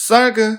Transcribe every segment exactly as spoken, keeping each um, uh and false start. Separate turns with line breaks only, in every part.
썰그.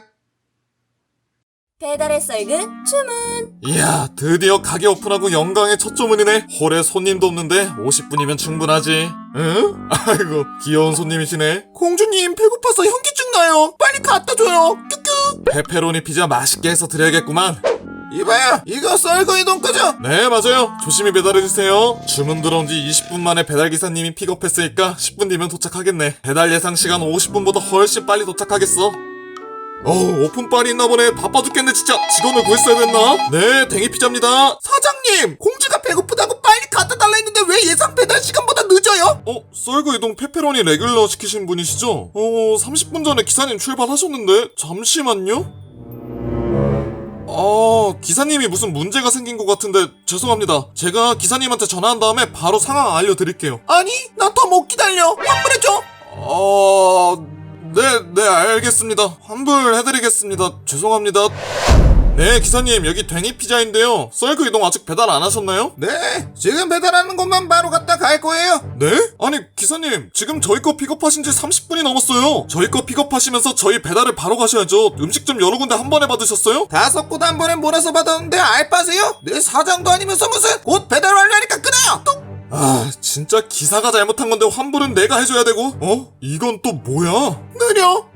배달의 썰그 주문.
이야, 드디어 가게 오픈하고 영광의 첫 주문이네. 홀에 손님도 없는데 오십 분이면 충분하지. 응? 아이고, 귀여운 손님이시네.
공주님, 배고파서 현기증 나요. 빨리 갖다줘요. 큐큐.
페페로니 피자 맛있게 해서 드려야겠구만.
이봐요, 이거 썰거이 돈까죠?
네, 맞아요. 조심히 배달해주세요. 주문 들어온 지 이십 분 만에 배달기사님이 픽업했으니까 십 분 뒤면 도착하겠네. 배달 예상 시간 오십 분보다 훨씬 빨리 도착하겠어. 어우, 오픈빨이 있나 보네. 바빠 죽겠네 진짜. 직원을 구했어야 됐나? 네, 댕이피자입니다.
사장님, 공주가 배고프다고 빨리 갖다 달라 했는데 왜 예상 배달 시간보다 늦어요?
어? 썰그 이동 페페로니 레귤러 시키신 분이시죠? 어, 삼십 분 전에 기사님 출발하셨는데 잠시만요. 아, 기사님이 무슨 문제가 생긴 것 같은데 죄송합니다. 제가 기사님한테 전화한 다음에 바로 상황 알려드릴게요.
아니, 난 더 못 기다려. 환불해줘.
어... 네, 네, 알겠습니다. 환불해드리겠습니다. 죄송합니다. 네, 기사님, 여기 댕이 피자인데요. 썰그 이동 아직 배달 안 하셨나요?
네, 지금 배달하는 곳만 바로 갖다 갈 거예요.
네? 아니, 기사님, 지금 저희 거 픽업하신 지 삼십 분이 넘었어요. 저희 거 픽업하시면서 저희 배달을 바로 가셔야죠. 음식점 여러 군데 한 번에 받으셨어요?
다섯 곳 한 번에 몰아서 받았는데 알바세요? 내 사장도 아니면서 무슨 곧 배달 완료하니까 끊어요. 뚝!
아, 진짜 기사가 잘못한 건데 환불은 내가 해줘야 되고. 어? 이건 또 뭐야?
느려.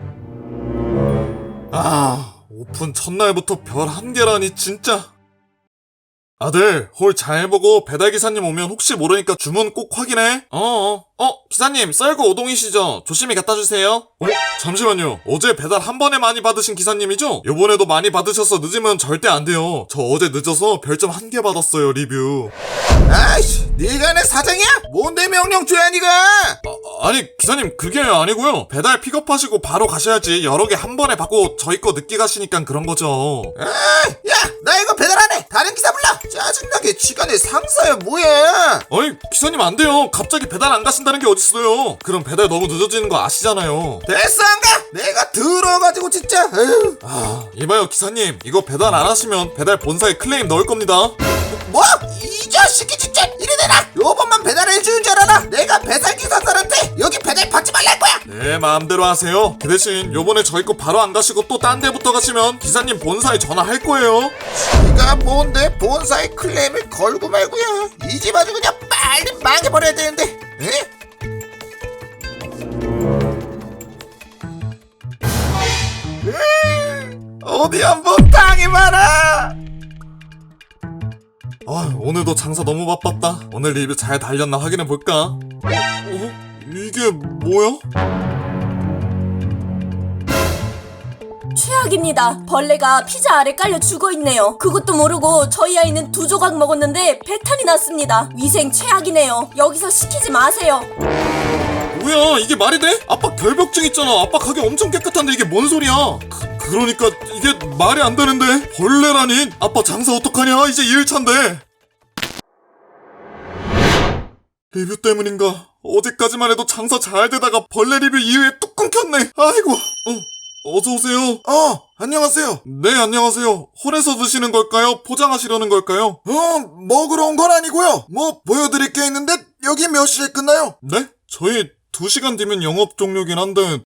아, 오픈 첫날부터 별 한 개라니 진짜. 아들, 홀 잘 보고 배달기사님 오면 혹시 모르니까 주문 꼭 확인해. 어어. 어, 기사님, 썰그 오동이시죠? 조심히 갖다 주세요. 어? 잠시만요. 어제 배달 한 번에 많이 받으신 기사님이죠? 요번에도 많이 받으셔서 늦으면 절대 안 돼요. 저 어제 늦어서 별점 한 개 받았어요, 리뷰.
아이씨, 네가 내 사장이야? 뭔데 명령 줘야 니가?
아, 아니, 기사님, 그게 아니고요. 배달 픽업하시고 바로 가셔야지. 여러 개 한 번에 받고 저희 거 늦게 가시니까 그런 거죠.
아, 야, 나 이거 배달 안 해. 다른 기사 불러. 짜증나게 쥐가 내 상사야 뭐야?
아니, 기사님 안 돼요. 갑자기 배달 안 가신다는 게 어딨어요. 그럼 배달 너무 늦어지는 거 아시잖아요.
됐어 안 가? 내가 들어가지고 진짜. 에휴.
아, 이봐요, 기사님. 이거 배달 안 하시면 배달 본사에 클레임 넣을 겁니다.
뭐? 이 자식이 진짜 이래대라. 요번만 배달해주는 줄 알아? 내가 배달기사들한테 여기 배달 받지 말라 할 거야.
네, 마음대로 하세요. 그 대신 요번에 저희 거 바로 안 가시고 또 딴 데부터 가시면 기사님 본사에 전화할 거예요.
네가 뭔데 본사에 클레임을 걸고 말고야. 이 집 아주 그냥 빨리 망해버려야 되는데. 에? 음, 어디 한번 당해봐라.
아, 오늘도 장사 너무 바빴다. 오늘 리뷰 잘 달렸나 확인해 볼까? 어? 어? 이게 뭐야?
최악입니다. 벌레가 피자 아래 깔려 죽어있네요. 그것도 모르고 저희 아이는 두 조각 먹었는데 배탈이 났습니다. 위생 최악이네요. 여기서 시키지 마세요.
뭐야, 이게 말이 돼? 아빠 결벽증 있잖아. 아빠 가게 엄청 깨끗한데 이게 뭔 소리야? 그, 그러니까 이게 말이 안 되는데. 벌레라니. 아빠 장사 어떡하냐? 이제 이 일차인데. 리뷰 때문인가? 어제까지만 해도 장사 잘 되다가 벌레 리뷰 이후에 뚝 끊겼네. 아이고. 어, 어서오세요.
어, 안녕하세요.
네, 안녕하세요. 홀에서 드시는 걸까요? 포장하시려는 걸까요?
어, 먹으러 온 건 아니고요. 뭐 보여드릴 게 있는데 여기 몇 시에 끝나요?
네? 저희 두 시간 뒤면 영업 종료긴 한데.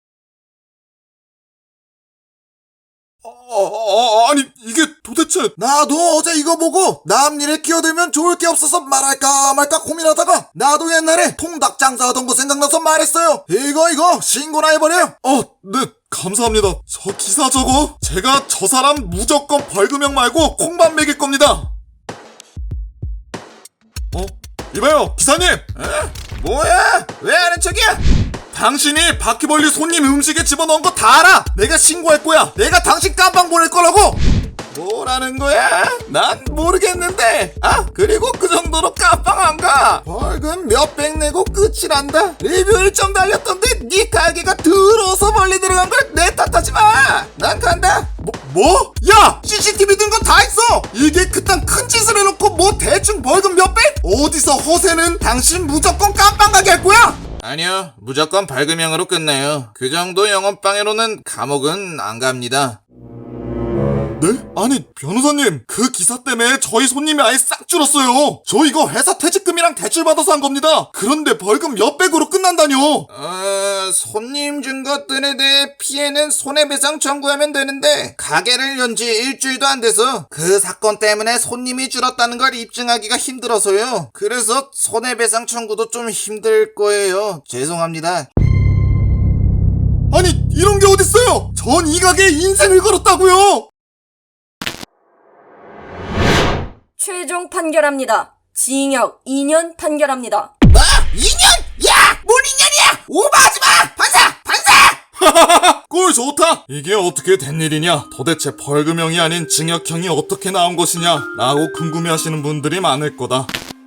어, 어, 어, 아니 이게 도대체.
나도 어제 이거 보고 남 일에 끼어들면 좋을 게 없어서 말할까 말까 고민하다가 나도 옛날에 통닭 장사하던 거 생각나서 말했어요. 이거 이거 신고나 해버려요.
어, 네, 감사합니다. 저 기사 저거 제가 저 사람 무조건 벌금형 말고 콩밥 먹일 겁니다. 어? 이봐요, 기사님.
에? 뭐야? 왜 아는 척이야?
당신이 바퀴벌리 손님 음식에 집어넣은 거 다 알아. 내가 신고할 거야.
내가 당신 깜빵 보낼 거라고? 뭐라는 거야? 난 모르겠는데. 아, 그리고 그 정도로 깜빵 안 가. 벌금 몇백 내고 끝이 난다. 리뷰 일점 달렸던데 네 가게가 더러워서 멀리 들어간 걸 내 탓하지 마. 난 간다.
뭐? 뭐?
야, 씨씨티비 든 거 다 있어. 이게 그딴 큰 짓을 해놓고 뭐 대충 벌금 몇백? 어디서 허세는. 당신 무조건 깜빵 가게 할 거야.
아니요, 무조건 벌금형으로 끝내요. 그 정도 영업방해로는 감옥은 안 갑니다.
네? 아니 변호사님 그 기사 때문에 저희 손님이 아예 싹 줄었어요. 저 이거 회사 퇴직금이랑 대출 받아서 한 겁니다. 그런데 벌금 몇백으로 끝난다뇨.
어, 손님 준 것들에 대해 피해는 손해배상 청구하면 되는데 가게를 연 지 일주일도 안 돼서 그 사건 때문에 손님이 줄었다는 걸 입증하기가 힘들어서요. 그래서 손해배상 청구도 좀 힘들 거예요. 죄송합니다.
아니 이런 게 어딨어요. 전 이 가게에 인생을 걸었다고요.
최종 판결합니다. 징역 이 년 판결합니다.
뭐? 이 년? 야! 뭔 이 년이야! 오버하지 마! 판사! 판사!
꼴 좋다. 이게 어떻게 된 일이냐. 도대체 벌금형이 아닌 징역형이 어떻게 나온 것이냐 라고 궁금해하시는 분들이 많을 거다.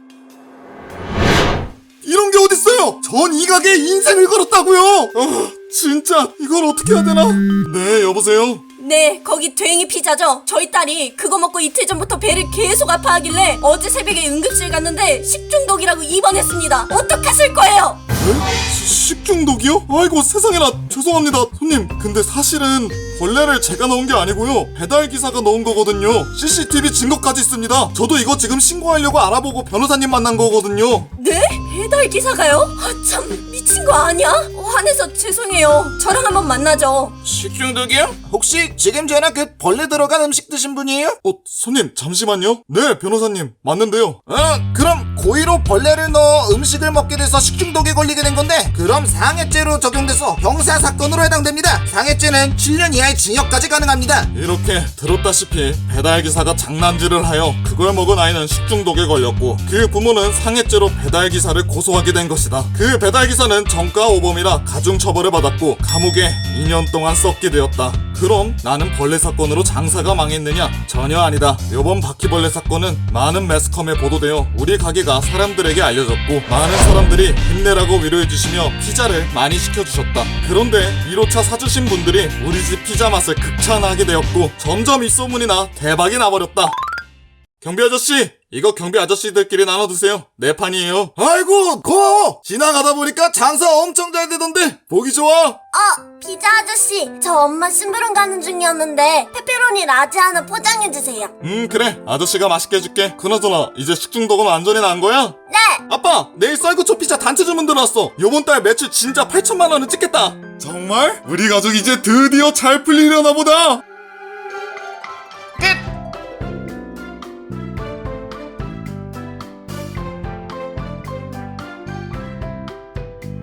이런 게 어딨어요. 전 이 가게에 인생을 걸었다고요. 아 진짜 이걸 어떻게 해야 되나. 네 여보세요.
네, 거기 괭이 피자죠? 저희 딸이 그거 먹고 이틀 전부터 배를 계속 아파하길래 어제 새벽에 응급실 갔는데 식중독이라고 입원했습니다. 어떡하실 거예요?
네? 시- 식중독이요? 아이고 세상에나 죄송합니다 손님. 근데 사실은 벌레를 제가 넣은 게 아니고요 배달기사가 넣은 거거든요. 씨씨티비 증거까지 있습니다. 저도 이거 지금 신고하려고 알아보고 변호사님 만난 거거든요.
네? 배달기사가요? 아, 참 미친 거 아니야? 어, 화내서 죄송해요. 저랑 한번 만나죠.
식중독이요? 혹시 지금 전화 그 벌레 들어간 음식 드신 분이에요?
어 손님 잠시만요. 네 변호사님 맞는데요.
어, 그럼 고의로 벌레를 넣어 음식을 먹게 돼서 식중독에 걸리게 된 건데 그럼 상해죄로 적용돼서 형사사건으로 해당됩니다. 상해죄는 칠 년 이하의 징역까지 가능합니다.
이렇게 들었다시피 배달기사가 장난질을 하여 그걸 먹은 아이는 식중독에 걸렸고 그 부모는 상해죄로 배달기사를 고소하게 된 것이다. 그 배달기사는 정가 오범이라 가중처벌을 받았고 감옥에 이 년 동안 썩게 되었다. 그럼 나는 벌레 사건으로 장사가 망했느냐? 전혀 아니다. 이번 바퀴벌레 사건은 많은 매스컴에 보도되어 우리 가게가 사람들에게 알려졌고 많은 사람들이 힘내라고 위로해주시며 피자를 많이 시켜주셨다. 그런데 일 호차 사주신 분들이 우리 집 피자 맛을 극찬하게 되었고 점점 이 소문이 나 대박이 나버렸다. 경비 아저씨 이거 경비 아저씨들끼리 나눠 드세요. 내 판이에요. 아이고 고마워. 지나가다 보니까 장사 엄청 잘 되던데 보기 좋아.
어, 피자 아저씨, 저 엄마 심부름 가는 중이었는데 페페로니 라지 하나 포장해주세요.
음 그래 아저씨가 맛있게 해줄게. 그나저나 이제 식중독은 완전히 난 거야?
네!
아빠 내일 쌀국수 피자 단체 주문 들어왔어. 요번 달 매출 진짜 팔천만 원은 찍겠다. 정말? 우리 가족 이제 드디어 잘 풀리려나 보다.